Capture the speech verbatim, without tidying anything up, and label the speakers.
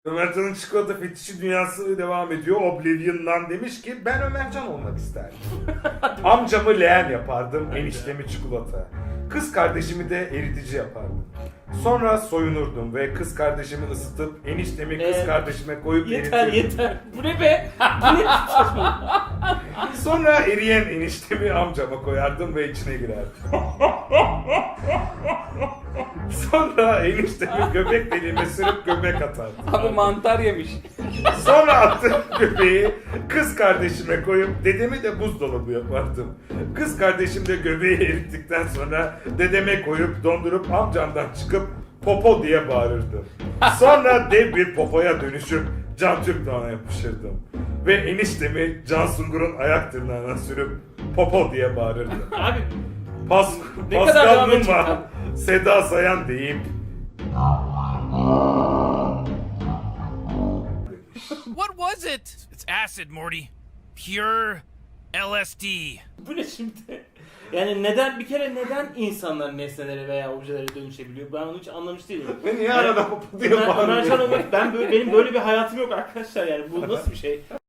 Speaker 1: Ömercan'ın çikolata fetişi dünyası devam ediyor. Oblivion'dan demiş ki ben Ömercan olmak isterdim. Amcamı leğen yapardım, eniştemi çikolata. Kız kardeşimi de eritici yapardım. Sonra soyunurdum ve kız kardeşimi ısıtıp eniştemi kız
Speaker 2: Ee,
Speaker 1: kardeşime koyup
Speaker 2: Yeter
Speaker 1: eritirdim.
Speaker 2: yeter. Bu ne be? Bu ne saçma?
Speaker 1: Sonra eriyen eniştemi amcama koyardım ve içine girerdim. Sonra eniştemi göbek deliğime sürüp göbek atardım.
Speaker 2: Abi mantar yemiş.
Speaker 1: Sonra attığım göbeği kız kardeşime koyup dedemi de buzdolabı yapardım. Kız kardeşim de göbeği erittikten sonra dedeme koyup dondurup amcamdan çıkıp popo diye bağırırdım. Sonra dev bir popoya dönüşüp Can Türkdoğan'a yapışırdım. Ve eniştemi Can Sungur'un ayak tırnağına sürüp popo diye bağırırdım.
Speaker 2: Abi
Speaker 1: Pas,
Speaker 2: Ne kadar
Speaker 1: Pascal
Speaker 2: devam edecek
Speaker 1: Numa,
Speaker 2: abi?
Speaker 1: Seda Sayan deyip
Speaker 3: What was it? It's acid, Morty. Pure L S D.
Speaker 2: bu ne şimdi? Yani neden bir kere neden insanlar nesnelere veya objelere dönüşebiliyor? Ben onu hiç anlamış değilim.
Speaker 1: ve niye arada popo diye
Speaker 2: Ömer,
Speaker 1: bağırıyor?
Speaker 2: Ömercan olmak, ben böyle, benim böyle bir hayatım yok arkadaşlar yani bu nasıl bir şey?